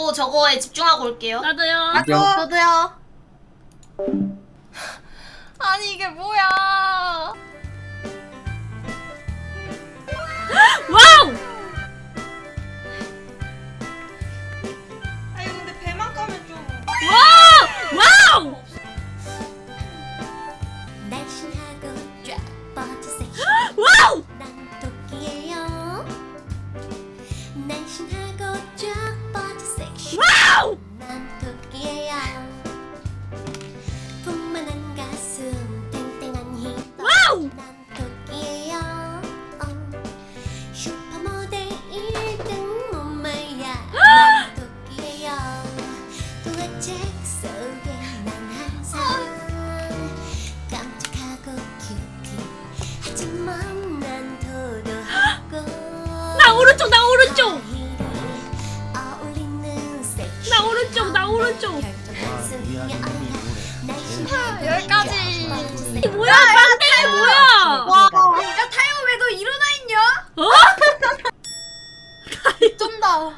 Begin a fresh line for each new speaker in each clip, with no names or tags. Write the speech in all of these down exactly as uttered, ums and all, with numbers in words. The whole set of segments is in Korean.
저도 저거에 집중하고 올게요.
나도요.
나도.
저도요.
아니 이게 뭐야?
와우!
아니 근데 배만 까면 좀.
와우! 와우!
날씬하고 쫙 뻗은 섹시
와우!
난 토끼예요. 날씬하고 쫙 뻗은 섹시
와우!
난 토끼예요. 풍만한 가슴 땡땡한 힙
와우!
난 토끼예요. 어. 슈퍼모델 일 등 몸매야 난 토끼예요. 도화책 속에 난 항상 깜찍하고 큐티 하지만 난 도도하고
나 오른쪽, 나 오른쪽!
어울리는 섹시
나 오른쪽, 나 오른쪽!
여기까지.
이 뭐야, 빵댕이 뭐야!
와, 야 타요 왜 너 일어나 있냐?
어?
쩐다.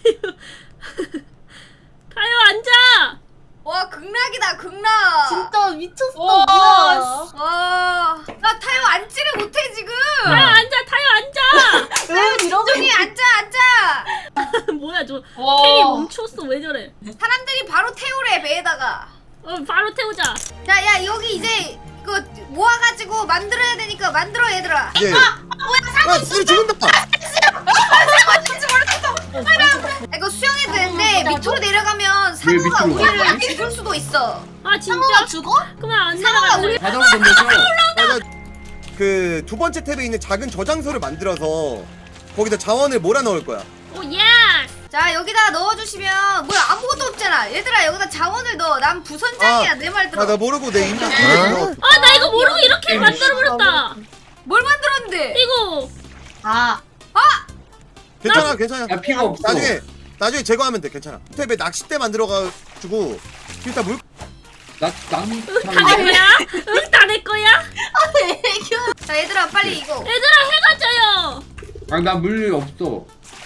타요 앉아!
와 극락이다 극락.
진짜 미쳤어.
와,
뭐야?
와, 나 타요 앉지를 못해 지금.
타요 앉아, 타요 앉아!
왜 이러고
저기 앉아 앉아.
뭐야, 저
와.
캐리 멈췄어, 왜 저래?
사람들이 바로 태우래 배에다가.
어, 바로 태우자.
자, 야 여기 이제 이거 모아가지고 만들어야 되니까 만들어 얘들아.
예.
아 뭐야 사고
아,
있어.
쓰리 죽는다.
사고 있는지 몰랐어. 아, 이거 수영해도 되는데 밑으로 내려가면 상어가
밑으로?
우리를 죽을 수도 있어.
아, 진짜?
상어가 죽어?
그만 안
상어가
내려가자.
우리
바닥을 건너서 그 두 번째 탭에 있는 작은 저장소를 만들어서 거기다 자원을 몰아 넣을 거야.
오, 예스!
자 여기다 넣어주시면 뭐야 아무것도 없잖아. 얘들아 여기다 자원을 넣어. 난 부선장이야.
아,
내 말 들어.
아, 나 모르고 내 인벤토리에 넣어.
아, 나 이거 모르고 이렇게 만들어버렸다.
뭘 만들었는데?
이거.
아,
괜찮아, 괜찮아.
야 피가 없어.
나중에 나중에 제거하면 돼. 괜찮아. 탭에 낚싯대 만들어가지고 일단 물.
나난
다 내 거야? 응, 다 내 거야?
자 얘들아 빨리 이거.
얘들아, 해가 져요.
아나 물이 없어.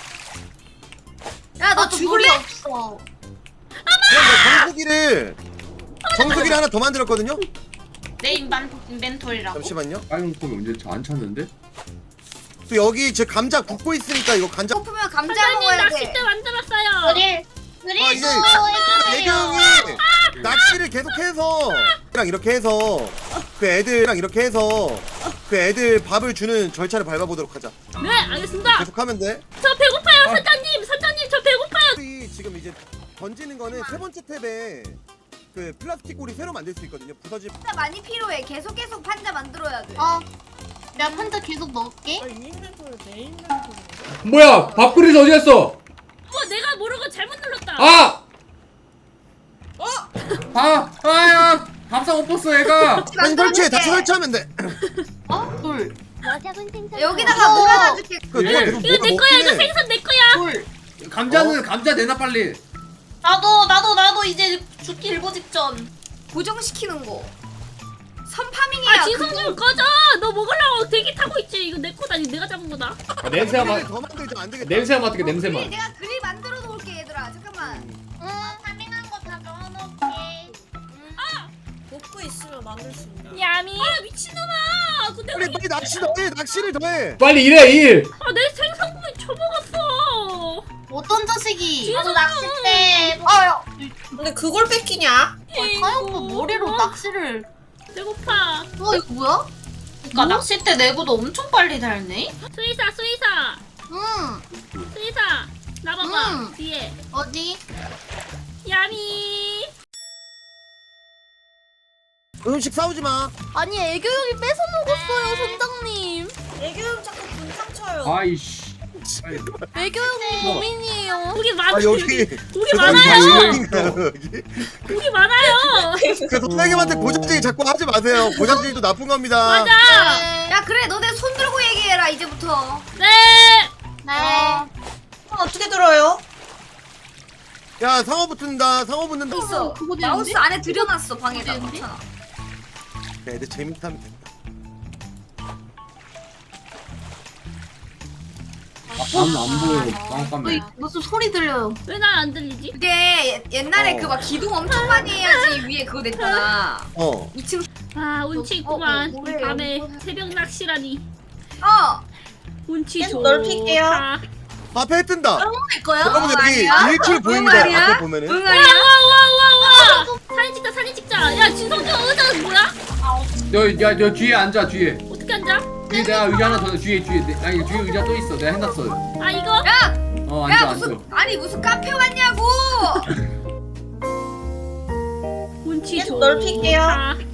야 너
나도
죽을래?
물이 없어.
그럼 나 정수기를 정수기를 하나 더 만들었거든요.
내 인반 인벤토리라고.
잠시만요.
빨간 콩이 언제 안 찾는데?
또 여기 제 감자 굽고 있으니까 이거 감자.
고프면 감자
사장님,
먹어야 돼.
낚싯대 만들었어요.
그릴
아, 이제
그릴도
배경이 낚시를 계속해서 랑 이렇게 해서 그 애들랑 이렇게 해서 그 애들 밥을 주는 절차를 밟아보도록 하자.
네, 알겠습니다.
계속하면 돼.
저 배고파요, 선장님. 선장님, 저 배고파요.
우리 지금 이제 던지는 거는 세 번째 탭에 그 플라스틱 고리 새로 만들 수 있거든요. 부서지.
판자 많이 필요해. 계속 계속 판자 만들어야 돼.
어. 내가 판자 계속 넣을게.
뭐야 밥그릇 어디 갔어?
어, 내가 모르고 잘못 눌렀다.
아! 어? 아! 아야! 밥상 못 봤어 얘가.
다시 설치해. 다시 설치하면 돼.
어? 돌.
여기다가
어.
몰아놔줄게.
그 누가
예.
계속
이거
뭐가
내 거야, 이거
먹긴 해.
생선 내 거야.
돌.
감자는 감자 내놔 빨리.
나도 나도 나도 이제 죽기 일보 직전.
고정시키는 거. 선파밍이야.
아, 지성 좀 꺼져. 너 먹으려고 대기 타고 있지. 이거 내 거다. 이거 내가 잡은 거다.
아, 냄새가
고리를
맡.
더 만들자. 안 되겠다.
냄새가 맡게
그릴,
냄새만.
내가 그릴 만들어 놓을게 얘들아. 잠깐만.
응. 파밍한 거 다 넣어놓을게.
먹고 있으면 만들 수 있나?
야미. 아, 미친놈아. 근데
빨리
우리...
빨리 낚시 더해. 낚시를 더해.
빨리 일해 일.
아, 내 생선구이 처먹었어.
어떤 자식이?
나도
낚싯대.
아야.
근데 그걸 뺏기냐?
아, 타요 오빠 머리로 낚시를.
배고파.
어 이거 뭐야?
그니까 낚싯대 내구도 엄청 빨리 달네?
수의사, 수의사.
응.
수의사. 나 봐봐.
음.
뒤에.
어디?
야미.
음식 싸우지 마.
아니 애교용이 뺏어 먹었어요 선장님.
애교형 자꾸 분탕 쳐요.
아이씨. 아이,
애교용이 범인이에요.
고기 많아.
아 여기
고기
그
많아요.
사람이 여기.
고기 많아요.
그 선생님한테 고장질 자꾸 하지 마세요. 고장질도 나쁜 겁니다.
맞아.
야 그래 너네 손 들고 얘기해라 이제부터.
네.
네.
손 어떻게 들어요?
야 상어 붙는다. 상어 붙는다.
있어.
그거 되는데?
마우스 안에 들여놨어 방에다.
되는데?
괜찮아.
야, 애들 재밌다면 된다.
나는 안 보여. 깜깜해.
무슨 소리 들려요?
왜 난 안 들리지?
그게 옛- 옛날에
어.
그 막 기둥 엄청 많이 해야지 위에 그거 냈잖아.
어.
이 층.
아 운치 있구만.
어, 어, 뭐래,
밤에
뭐래.
새벽 낚시라니.
어.
운치
계속
좋다.
넓힐게요.
앞에 해 뜬다.
할 거야?
여러분 여기
어, 아니야?
일출
응,
보입니다.
아니야?
앞에 보면은.
응 아니야?
와와와와 사진 찍자 사진 찍자. 야 진성준 의자는 뭐야?
너, 야, 너 뒤에 앉아, 뒤에.
어떻게 앉아?
뒤에 내가 의자 하나 더, 넣어, 뒤에, 뒤에. 내- 아니, 뒤에 의자 또 있어. 내가 해놨어.
아 이거?
야!
어,
야
앉아, 앉아.
무슨 아니 무슨 카페 왔냐고!
운치
계속
좋다.
넓힐게요.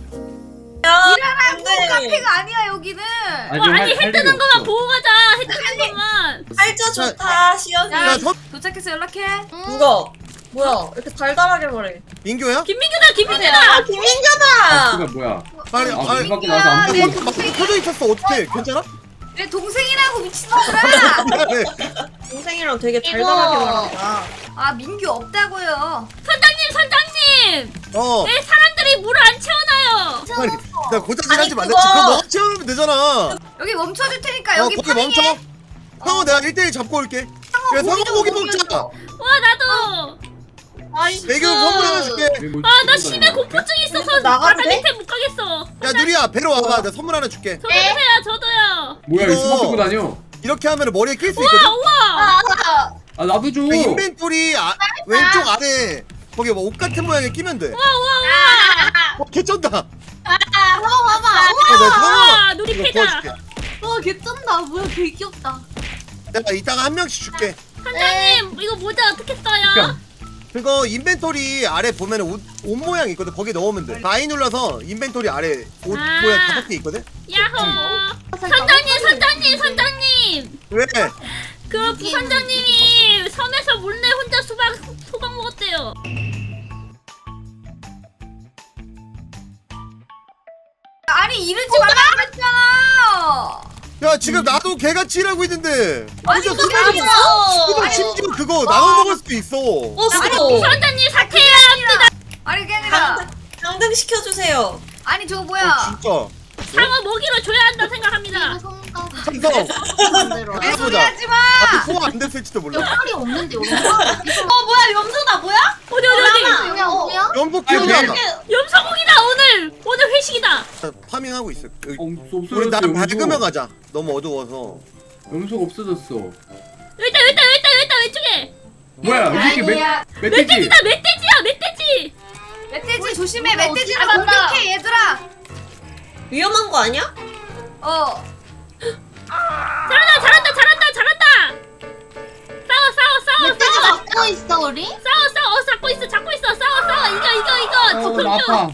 일하라고
네.
카페가 아니야 여기는.
아니,
와
할-
아니
할
해
일이
뜨는 거만
없어.
보고 가자. 해 뜨는 것만.
팔자 좋다 시연이.
야,
야, 서,
도착해서 연락해.
누가? 뭐야 이렇게 달달하게 말해.
민규야?
김민규다
아
김민규다.
김민규다.
수가 뭐야?
아니,
아,
아니,
문 밖에 나와서 안
내
보고.
막 켜져 있었어. 어떻게? 괜찮아?
내 동생이라고 미친놈들아.
미안해.
동생이랑 되게 달달하게 말한다.
아 민규 없다고요.
선장님 선장님.
어.
왜 사람들이 물을 안 채워놔요?
아니, 나 고자질 하지
아니,
말랬지.
그거-
그거 너 채우면 되잖아.
여기 멈춰줄 테니까
어,
여기
거기
파밍해.
멈춰. 상어 내가 일 대일 잡고 올게. 야, 상어 고기 먹자.
와 나도.
애교 선물 하나 줄게.
뭐
아 나 심해 공포증 있어서
나가도
바다
돼?
밑에 못 가겠어.
야, 누리야, 배로 와봐. 내가 선물 하나 줄게.
저도 주세요 저도요.
뭐야,
이거-
이거 수박 들고 다녀.
이렇게 하면 머리에 낄 수
우와
있거든?
우와.
아, 나도 줘.
그 인벤토리 아, 왼쪽 아래 거기 뭐 옷 같은 모양에 끼면 돼.
우와 우와
어, 개쩐다. 야,
봐봐 봐봐.
내가
우와.
상어
누리
이거
패다.
구워줄게.
와 개쩐다. 뭐야 개 귀엽다.
내가 이따가 한 명씩 줄게.
선장님 이거 모자 어떻게 써요?
그러니까
그거 인벤토리 아래 보면 옷, 옷 모양 있거든. 거기 넣으면 돼. 바이 눌러서 인벤토리 아래 옷
아.
모양 다섯 개 있거든.
야호. 선장님 선장님 선장님.
왜?
그 부선장님이 섬에서 몰래 혼자 수박 소박 먹었대요.
아니 이러지 말라고 그랬잖아.
야, 지금 나도 개같이 일하고 있는데.
아니
혼자
그게
수박
아니야.
수박 심지어 그거 나눠 먹을 수도 있어.
어 수고.
부선장님 사퇴해야 합니다.
아니 그게 아니라.
당등 당등 시켜주세요.
아니 저거
어,
뭐야?
진짜.
상어 먹이로 줘야 한다 생각합니다.
삼성.
내 소리
해보자.
하지 마.
아직 소화 안 됐을지도 몰라.
팔이 없는데 여기.
어 뭐야 염소다 뭐야?
어디 어디 어디.
뭐야 뭐야?
연복
아니,
키우자.
염소고기다 오늘. 오늘 회식이다.
파밍하고 있어. 여기.
어, 없어졌어.
우리 나
염소.
밝으면 가자. 너무 어두워서.
염소가 없어졌어.
여기 있다 여기 있다 여기 있다 여기 있다 왼쪽에.
뭐야, 이 새끼 멧, 멧돼지.
멧돼지다 멧돼지야 멧돼지.
멧돼지 조심해.
우리가
멧돼지를
어떻게 알았나?
공격해 얘들아.
위험한 거 아니야?
어.
잘한다 잘한다 잘한다 잘한다. 싸워 싸워 싸워
멧돼지
싸워
막고 있어 우리?
싸워 싸워 잡고 있어 잡고 있어 싸워 싸워 이거 이거 이거
어, 나
지금
아파.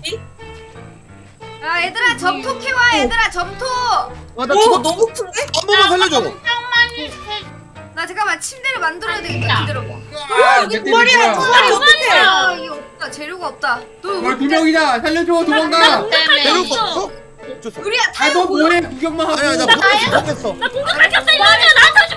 야 얘들아 점토 캐와 얘들아 점토.
아, 나
오
죽었.
너무 큰데?
한 번만 살려줘.
나 잠깐만 침대를 만들어야 되겠다. 기다려봐.
아, 멧돼지 뭐야.
말이 어떡해?
아 이게 없다. 재료가 없다. 너
뭘 두 명이다. 살려줘, 도망가.
공격할
배를
수
거
있어.
없어? 어쩔 수 없어.
우리야
아,
타요.
너 뭐해? 구경만 하고.
아니야, 나 못했어.
나 공격할 게 없어 이리 와줘 나한테 오지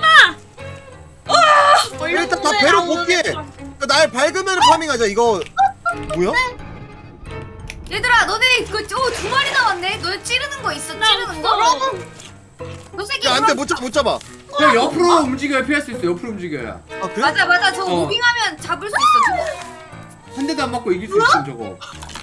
마.
일단 다 배로 복귀해. 날 밝으면 파밍하자. 이거 뭐야?
얘들아 너네 그두 마리 나왔네. 너네 찌르는 거 있어?
나
찌르는 거?
없어.
너 새끼
야, 안 돼. 못 잡아. 못 잡아.
저 옆으로 움직여야 피할 수 있어. 옆으로 움직여야.
아, 그래?
맞아 맞아 저
어.
무빙하면 잡을 수 있어. 저거.
한 대도 안 맞고 이길 수 있어, 저거.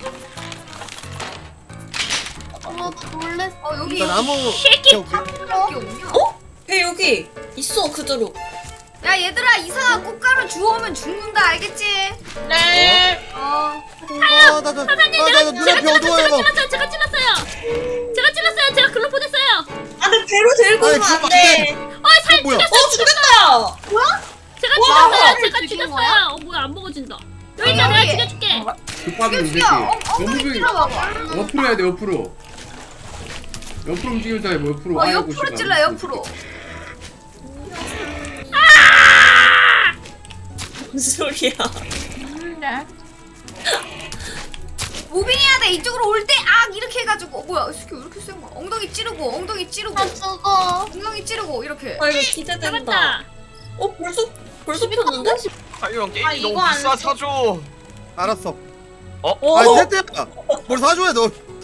어머 놀래.
어 여기
나 나무.
새끼.
오케이, 오케이.
여기 없냐?
왜 여기 있어 그대로.
야 얘들아 이상한 꽃가루 주워오면 죽는다 알겠지?
네.
어.
아, 나, 나, 아, 나, 나
제가
눈앞이
제가
어두워요.
찔렀어요 제가 찔렀어요 제가 찔렀어요 제가 글로 보냈어요.
아근 배로 들고
아니,
오면 안
그거
돼.
어살
뭐야?
어 죽겠다.
제가
와,
죽였어요 제가
죽인
죽였어요.
거야?
어 뭐야 안 먹어진다. 여기 있다 내가 죽여줄게.
급하게 이 새끼.
죽여. 어,
너무
엉덩이
비
찔러봐봐.
옆으로 해야 돼, 옆으로. 옆으로 움직이면서 해, 뭐 옆으로.
어
아이고,
옆으로
씨발.
찔러 옆으로.
무슨 소리야?
무빙해야 돼 이쪽으로 올 때 악 이렇게 해가지고 어, 뭐야 이 새끼 왜 이렇게 센 거야? 엉덩이 찌르고 엉덩이 찌르고
나 죽어.
엉덩이 찌르고 이렇게.
아 이거 기대된다.
잡았다.
어 벌써 벌써 폈는데?
아형 게임이
아, 이거
너무
안
비싸 사줘.
알았어.
어?
아니, 세트야. 뭘 사줘야 너.